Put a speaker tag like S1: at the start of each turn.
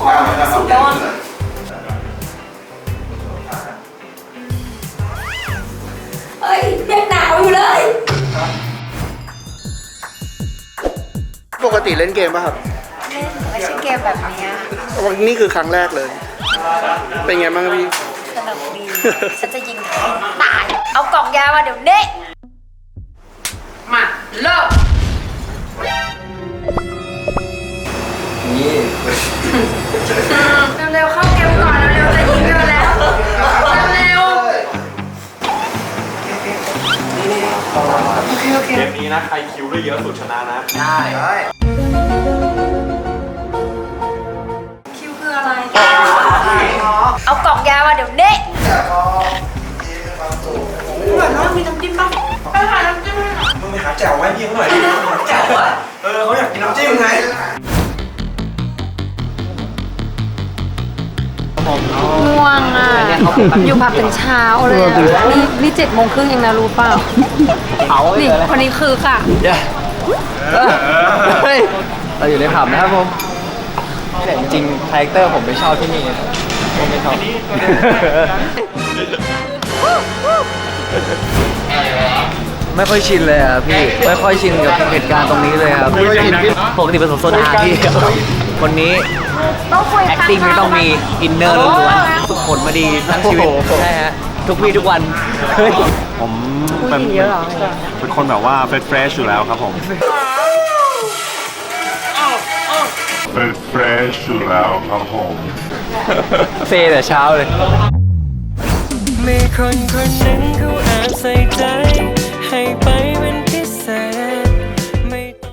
S1: สุดยอดเฮ้ยยังหนาวอยู่เลย
S2: ปกติเล่นเกมป่ะครับ
S1: เล่นไม่ใช่เกมแบบนี้
S2: วันนี้คือครั้งแรกเลย เป็นไงบ้างพี่
S1: สนุกดี ฉันจะยิงตาย เอากล่องยามาเดี๋ยวนี้มาเริ่ม
S3: นี่
S1: เร็วๆเข้าเกมก่อนเร็วๆจะยิงกันแล้วเร็วโอเค
S4: เกมนี้นะใครคิวได้เยอะสุดชนะนะ
S3: ได้
S1: คิวคืออะไร เอากล่องยามาเดี๋ยวนี้เหมือนว่ามีน้ำจิ้มบ้างไปหาน้ำจิ้มให้หน่อย
S4: มึงไปหาแจ่วไว้พี่เขาหน่อยดิแจ่วอะเขาอยากกินน้ำจิ้มไง
S1: ง่วงอ่ะ อยู่ผับถึงเช้าเลยอ่ะนี่7:30เองนะรู้เปล่า นี่คนนี้คือค่ะ
S3: เฮ้ยเราอยู่ในผับนะครับผมแต่จริงๆคาแรคเตอร์ผมไม่ชอบที่นี่ผมไม่ชอบไม่ค่อยชินเลยอ่ะพี่ไม่ค่อยชินกับเหตุการณ์ตรงนี้เลยครับปกติเป็นโซดาพี่คนนี้
S1: ต้องคุย
S3: acting ไม่ต้องมีอินเนอร์ล้วนๆฝึกฝนมาดีทั้งชีวิตใช่ฮะทุกวี่ทุกวันเฮ้ย
S4: ผมเป็นคนแบบว่าเฟรชอยู่แล้วครับผม
S5: เป็นเฟรชอยู่แล้วครับผม
S3: เฟแต่เช้าเลย
S6: มีคนคนหนึ่งเขาแอบใส่ใจ